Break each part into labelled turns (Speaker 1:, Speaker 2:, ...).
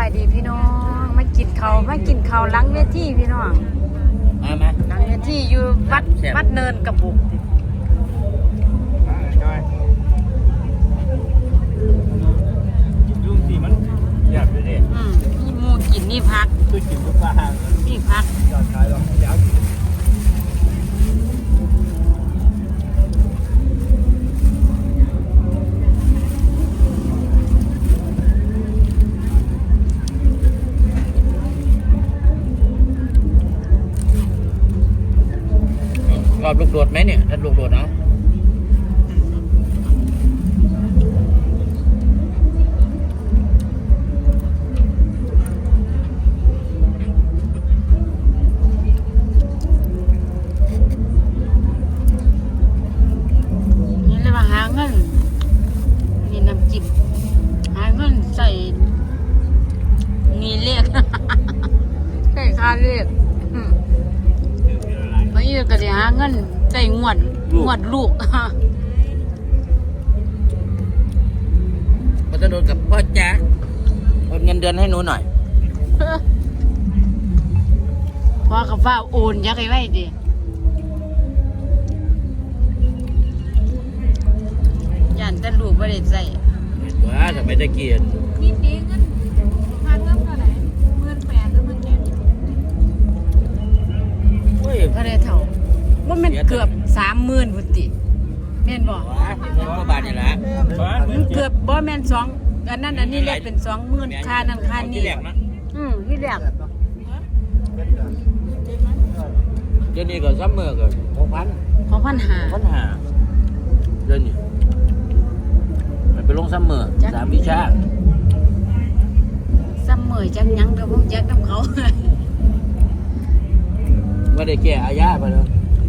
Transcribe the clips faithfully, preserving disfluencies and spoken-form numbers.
Speaker 1: ายดีพี่น้องมากินข้าวมากินข้าวหลังเวทีพี่น้อง
Speaker 2: มาไหม
Speaker 1: หลังเวทีอยู่วัดวัดเนินกระบุก
Speaker 2: ยุ่งสิมันอยากไปเด็ด
Speaker 1: นี่มูกินนี่พัก
Speaker 2: คือกินทุกบ้าน
Speaker 1: นี่พัก
Speaker 2: จอดขายหรอกยักษ์รอบลูกโดดไหมเนี่ยถ้าลูกโดดเนาะ
Speaker 1: นี่เลยมาหาเงินนี่น้ำจิ้มหาเงินใส่มีเลขใส่ค่าเลขมาอยู่ก็จะหาเงินใส่งวดงวดลูก
Speaker 2: ก็จะโดนกับพ่อแจ๊คโอนเงินเดือนให้หนูหน่อย
Speaker 1: พ่อกับฟ้าโอนยักไว้ดิยันแต่ลูกไม่ได้ใส่
Speaker 2: ว้าทำไมได้เกียรติ
Speaker 3: นี่ปีเงินพันเงินเท่าไหร่หมื่นแปดหรือหมื่นเจ็ด
Speaker 2: เฮ้ย
Speaker 1: พระได้เท่าว่ามันเกือบสามหมื่นพุทธิแม่นบอก
Speaker 2: เงินกว่าบาทนี่แหละ
Speaker 1: มันเกือบบ่แม่นสองอันนั้นอันนี้เรียกเป็นสองหมื่นค่านั่นค่านี่อืมที่แรก
Speaker 2: เดี๋ยวนี้ก็ซัมเมอร์ก็หกพัน
Speaker 1: ของพันหา
Speaker 2: พันหาเดี๋ยวนี้มันไปลงซัมเมอร์สามวิชา
Speaker 1: ซัมเมอร์จังยังเดี๋ยวผมแจ็คน้ำเขา
Speaker 2: ว่าได้แก่อาญาไปแล้ว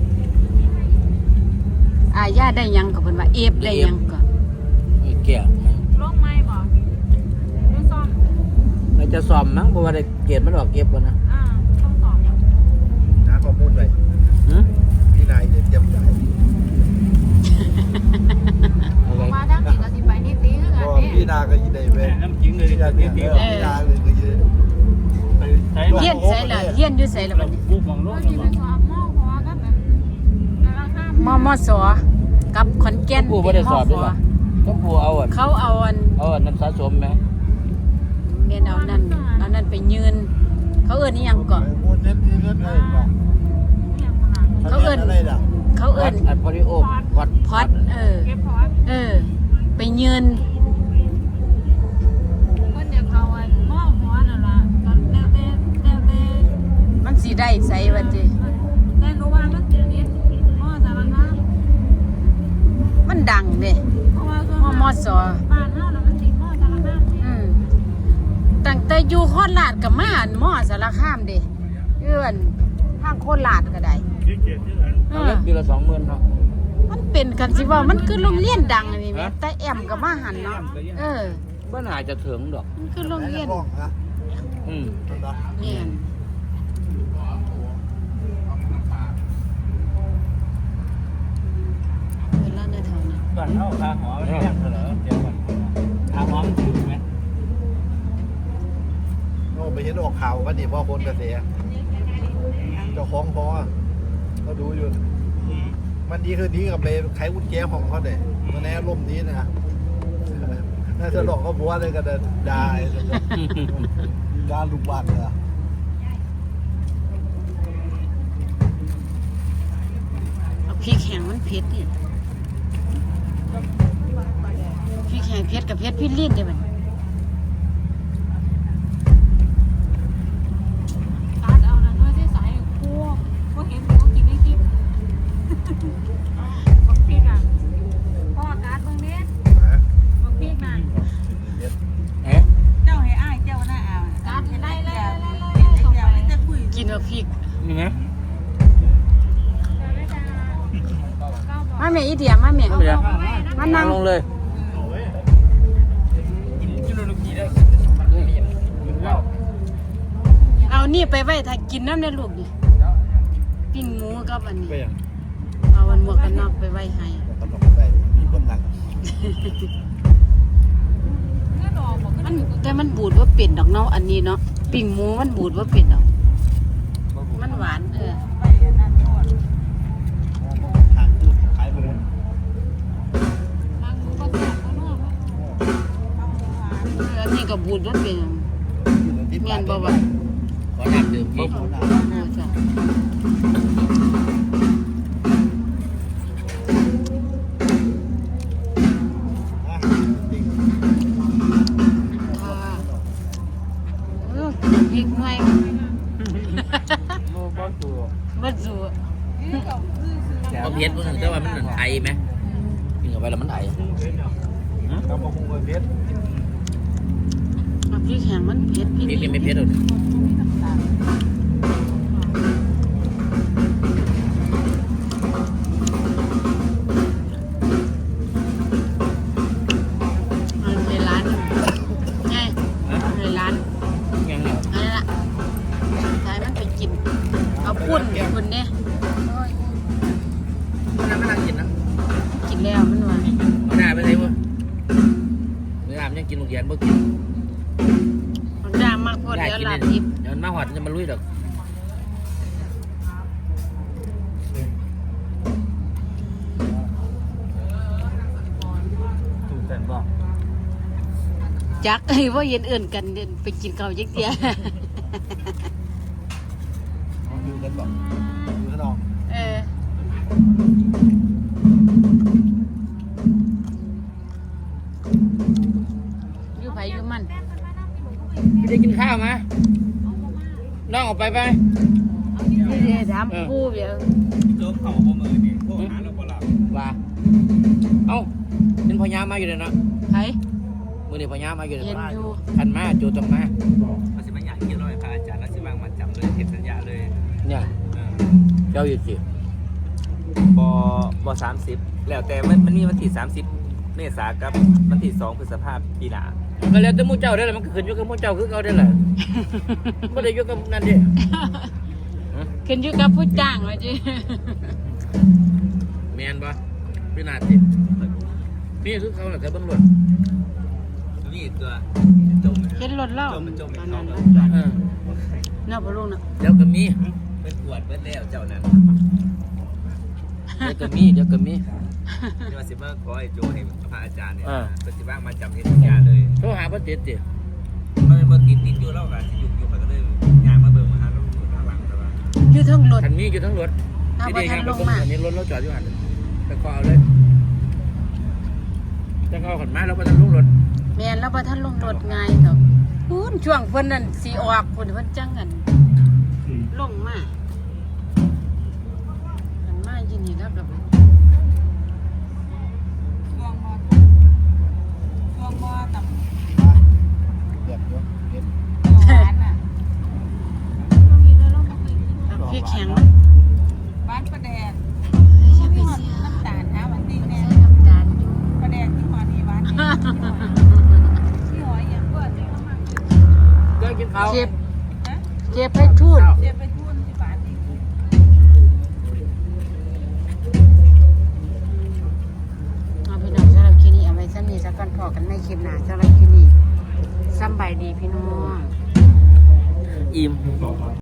Speaker 1: อาญาได้ยังกับเพิ่นว่าเอฟได้ยังก็
Speaker 2: แก่
Speaker 3: ลงไม้บ่ดูซ่อม
Speaker 2: มันจะซ่อมมั้งเพราะว่าได้เกรดมันออกเก็บก่อนนะ
Speaker 3: อ่าต้องซ่อม
Speaker 4: หาข้อมูลไว้พี่นายเดี๋ยวเจ็บใจ
Speaker 3: มาทั้งสี่ก็สิไปนี่ตีคือกันนี่
Speaker 4: พี่นาก็ยินดีเว้ย
Speaker 2: น้ำจิ้มเลย
Speaker 4: พี่นาพี่นาเลยก็ยิน
Speaker 1: เฮียนใส่ละเฮียนอยู่ใส่ละบัดนี้
Speaker 3: ก็สิเป็นสอบมอหัวก็แบบแต่ละข้าม
Speaker 1: มมสกับขอนแก่น
Speaker 2: ผู้บ่ได้สอบด้วยก็ผู้เอาอ่ะ
Speaker 1: เขาเอาอัน
Speaker 2: เอาอันน้ำสะสมไหม
Speaker 1: เรียนเอานั่นเอานั่นไปยืนเขาเอิ้นอีหยังก่อนเขาเอิ้นเขาเอิ้น
Speaker 2: อัดพอดีโอพอด
Speaker 1: พอดเออ
Speaker 3: เก็บพอด
Speaker 1: เออไปยืน
Speaker 3: ก็เดี๋ยวเขาอันมอหัวนั่นล่ะตอนแล้วแต่แล้วแต่
Speaker 1: มันสิได้ใส่ว่าติ
Speaker 3: แต่รู้ว่ามันสินิดมอสารคาม
Speaker 1: มันดังเด้
Speaker 3: เพราะว่าส่วน
Speaker 1: มมส
Speaker 3: บ้านเฮาน่ะมันสิมอสารคาม
Speaker 1: อืมตั้งแต่อยู่โคราชก็มาอันมอสารคามเด้เอื้อนทางโคราชก็ได้
Speaker 2: เอาเล็กปีละสองหมื่นเนาะ
Speaker 1: มันเป็นกันสิว่ามันคือโรงเรียนดังนี่แม่แต่แอมก็มาหันเนาะเออ
Speaker 2: บ่น่าจะถึงดอก
Speaker 1: มันคือโรงเรียน
Speaker 2: อืม
Speaker 1: เนี่ยเวลาในแถวนี้
Speaker 2: ก่อนเข้าคาหอแรกเหรอเดี๋ยวก่อนคาหอมันถึงไหม
Speaker 4: โอ้ไปเห็นออกข่าวก็ดีพ่อคนกระเสียเจ้าของพอเขาดูอยู่มันดีคือดีกับไปไขกุญแจของเขาเนี่ยมันแน่ร่มนี้นะน่าจะหลอกเขาบัวเลยก็ได้ได้การลุกบ้านเลย
Speaker 1: เอาพริกแห้งมันเผ็ดนี่พริกแห้งเผ็ดกับเผ็ดพริกลิ้นเดี๋ยวมัน
Speaker 3: ตัดเอานั่นด้วยที่ใส่คั่วก็เห็นหมูกินในคลิปบักพริกอ่ะพ่อการ์ดเบิ่งนี้บักพริกน่ะ
Speaker 2: เอ๊ะ
Speaker 3: เจ้าให้อ้ายเจ้าหน้าเอาการ์ดให้ไล่ไล่ไล่ไล่ส่งไปจะคุย
Speaker 1: กินบักพริก
Speaker 2: นี่นะ
Speaker 1: มาแม่อีเดียมาแม่มานั่ง
Speaker 2: ลงเลย
Speaker 1: เอานี่ไปไว้ถ้ากินน้ำในลูกดิปิ้งหมูกับอันนี้เอาวันหมวกกันน็อกไปไว้ให้
Speaker 4: มีคนหนัก
Speaker 3: เงินออกบอกขึ้น
Speaker 1: มันแต่มันบูดว่าเป็นดอกเนาะอันนี้เนาะปิ่งหมูมันบูดว่าเป็นดอกมันหวานเออ
Speaker 3: ไปนั่นโน่น
Speaker 4: ทางตู้ขายไปเลย
Speaker 3: เอาหมูหวาน
Speaker 1: เอออันนี้ก็บูดว่าเป็นเมียนบ่วะ
Speaker 2: ขอน้ำดื่มพี่
Speaker 1: โอ้จ้ะค่ะเออพริกหน่อย
Speaker 2: โม่บ้าตัว
Speaker 1: บ่สู
Speaker 3: นี่ก็คือซื้อ
Speaker 2: พอเพี้ยนพวกนึงแต่ว่ามันเหมือนไอไหมกินเข้าไปแล้วมันไอ
Speaker 4: กำมะฮุงกับเพชร
Speaker 1: พริกแห้งมันเผ็ดพี่
Speaker 2: นี่กินไม่เพี้ยนหรอก
Speaker 1: มันในร้านไงในร้าน
Speaker 2: ยังไง
Speaker 1: อันนั้นล่ะใช้มันไปกิน เอาพุ่นพุ่นเนี่ย
Speaker 2: มันนั่งไม่นั่งกินนะ
Speaker 1: กินแล้วมันว่า
Speaker 2: มันน่าไปไหนวะเนื้อมันยังกินลูกเย็นบ่กิน
Speaker 1: มันด่ามากพอ
Speaker 2: ได้
Speaker 1: เดี๋ยว
Speaker 2: กิน
Speaker 1: ลา
Speaker 2: เลย
Speaker 1: บดิบ
Speaker 2: เดี๋ยวมันมาหอดจะมาลุยดอก
Speaker 4: ถูกแต่บอก
Speaker 1: จักไอ้ว่าเย็นเอื่นกันเดินไปกินข้าวยักเดีย
Speaker 4: อยู่กันบอกอยู่ข้างนอก
Speaker 1: เอออยู่ไผอยู่มัน
Speaker 2: ไม่ได้กินข้าวมาน้องออกไปไป
Speaker 1: นี่เดี๋ยวถามกูเดี๋ยว
Speaker 5: โจ๊กเขาบ่มือนี่พวกหาเราบ่หลับ
Speaker 2: ว่าเอ้าเป็นพญามาอยู่เลยนะ
Speaker 1: ไผ
Speaker 2: มือเดียวพญามาอยู่เลย
Speaker 1: เห็นอยู่
Speaker 2: ขันมาโจตรงมา
Speaker 5: เขาสิมาอยากกินร้อยพระอาจารย์แล้วสิว่างมาจำเลยเห็นสัญญาเลย
Speaker 2: เนี่ย
Speaker 5: เออ
Speaker 2: เจ้าอยู่สิ
Speaker 5: บ่บ่สามสิบแล้วแต่มันมันมีวันที่สามสิบเมษากับวันที่สองพฤษภาคมปีหน้า
Speaker 2: ก็แล้วแต่หมู่เจ้าได้แหละมันก็ขึ้นอยู่กับหมู่เจ้าคือเขาได้แหละไม่ได้อยู่กับนั่นดิ
Speaker 1: ขึ้นอยู่กับผู้จ้างว่าจิ
Speaker 2: แมนปะพี่นาจินี่คือเขาแหละแต่ตำรวจ
Speaker 5: นี่ตัวจม
Speaker 1: เห็นรถเล่า
Speaker 5: จมมันจม
Speaker 1: ต
Speaker 5: ไม่
Speaker 1: อน
Speaker 5: เข้า
Speaker 1: นั้น
Speaker 5: เลย
Speaker 2: เออ
Speaker 1: เนาะพ่อลุงเนาะ
Speaker 2: เดี๋ยวก็มี
Speaker 5: เป็นปวดเบิดแล้วเจ้านั้น
Speaker 2: เดี๋ยวก็มีเดี๋ยวก็มี
Speaker 5: เดี๋ยวว่าสิมาขอให้โจให้พระอาจารย์เนี่ย
Speaker 2: อ่า
Speaker 5: เพิ่นสิว่างมาจำเห็นสัญญาเลย
Speaker 2: โทรหาพ่อเจ็ดจิ
Speaker 5: มันเป็นบ่ติดติดอยู่แล้วก็สิอยู่อยู่เขาก็เลยยางมาเบิ่งมาหาเราอยู่ข้างหลังแต่ว่า
Speaker 1: อยู่เทั้งรถ
Speaker 2: คันมีอยู่ทั้งรถ
Speaker 1: ถ้า
Speaker 2: ที่
Speaker 1: บ่
Speaker 2: ดี
Speaker 1: ทั
Speaker 2: งาน น
Speaker 1: ล
Speaker 2: ไป
Speaker 1: ง
Speaker 2: ตรง
Speaker 1: มา
Speaker 2: อันนี้รถเราจอดอยู่หันไปก็เอาเลยจะเอาขันมาแล้วไปทางลุงรถ
Speaker 1: แม่นแล้วบ่ทันลงรถง่ายดอกพูนช่วงเพิ่นนั่นสิออกพุ่นเพิ่นจังกันลงมาอันมาอยู่นี่แล้วก็
Speaker 3: ช่วงมอช่วงมอตำ
Speaker 4: เดือดเยอะเพชร
Speaker 3: หวานอ่ะ
Speaker 1: พริกแข็ง
Speaker 3: หวานประแดก
Speaker 1: อย่าไป
Speaker 3: มี
Speaker 1: เสีย
Speaker 3: น้ำตาลหาหวานติ้งแน่
Speaker 1: ใส่น้ำตาลอยู่
Speaker 3: ประแดกที่หมอนี่หวานนี่ที่หอยอย่างเปิดเลยเข้ามา
Speaker 2: ก็กินข้าว
Speaker 1: เจ็บ
Speaker 3: ฮะ
Speaker 1: เจ็บให้ทูน
Speaker 3: เจ็บไปทุ่นที่หวานนี่
Speaker 1: เอาพี่น้องสำหรับคลิปนี้เอาไว้ซ้ำนี้สักก่อนพอกันในคลิปหน้าสำหรับคลิปนี้สำบายดีพี่น้อง
Speaker 2: อิ่ม